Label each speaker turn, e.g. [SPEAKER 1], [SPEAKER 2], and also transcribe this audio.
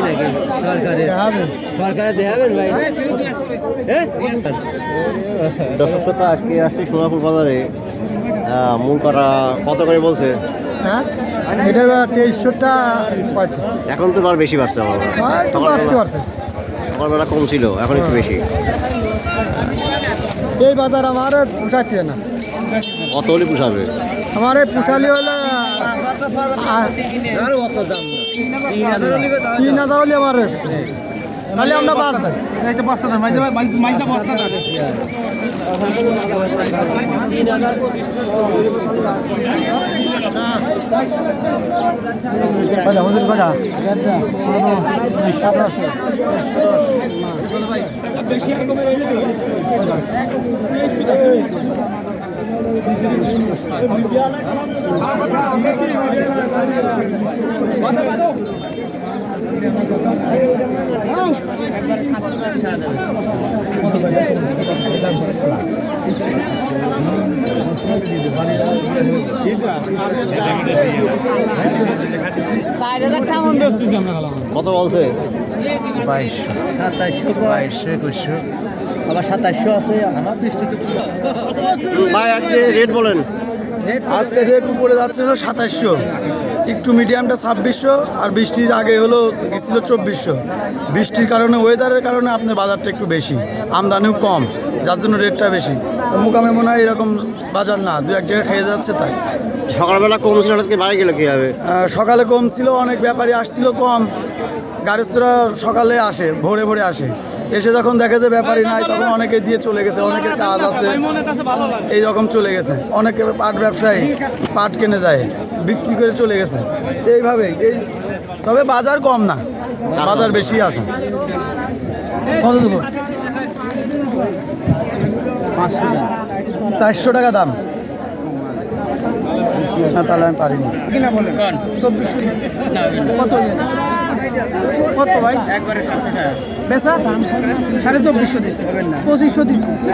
[SPEAKER 1] নাকি সরকারে দেখাবেন ভাই?
[SPEAKER 2] দর্শক শ্রোতা, আজকে আসছি সোনাপুর বাজারে। মূল কটা কত করে বলছে?
[SPEAKER 3] হ্যাঁ, এটা 2300টা পাইছে।
[SPEAKER 2] এখন তো আর বেশি বাড়ছে আমার সকালবেলা কম ছিল, এখন একটু বেশি।
[SPEAKER 3] এই বাজার আমার পোষাচ্ছে না।
[SPEAKER 2] কত হলে পুষাবে?
[SPEAKER 3] আমার এই পোষালি হলে 3000 হলে আমার তাহলে আমরা
[SPEAKER 2] কত বলছে?
[SPEAKER 1] 2200 আবার 2700 আছে। আমার
[SPEAKER 2] ভাই আজকে রেট বলেন।
[SPEAKER 3] আজকে রেট উপরে যাচ্ছে হলো 2700, একটু মিডিয়ামটা 2600, আর বৃষ্টির আগে হলো গেছিল 2400। বৃষ্টির কারণে, ওয়েদারের কারণে আপনার বাজারটা একটু বেশি, আমদানিও কম, যার জন্য রেটটা বেশি। মুকামে মনে হয় এরকম বাজার না, দু এক জায়গায় খেয়ে যাচ্ছে তাই।
[SPEAKER 2] সকালবেলা কম ছিল, হঠাৎ বাড়ি গেলে কী হবে?
[SPEAKER 3] সকালে কম ছিল, অনেক ব্যাপারী আসছিল কম। গাড়িস্তরা সকালে আসে, ভোরে ভোরে আসে, এসে যখন দেখে যে ব্যাপারী নাই, তখন অনেকে দিয়ে চলে গেছে, অনেকের কাজ আছে এই রকম চলে গেছে। অনেকে পাট ব্যবসায়ী পাট কিনে যায়, বিক্রি করে চলে গেছে এইভাবেই। তবে বাজার কম না, বাজার বেশি আছে। কত দেবো? 400 টাকা দাম। না তাহলে আমি পারিনি। কিনা বলেন 2400। কত কত ভাই? একবারে 700 টাকা বেচা, 2450 দিচ্ছে, 2500 দিচ্ছে।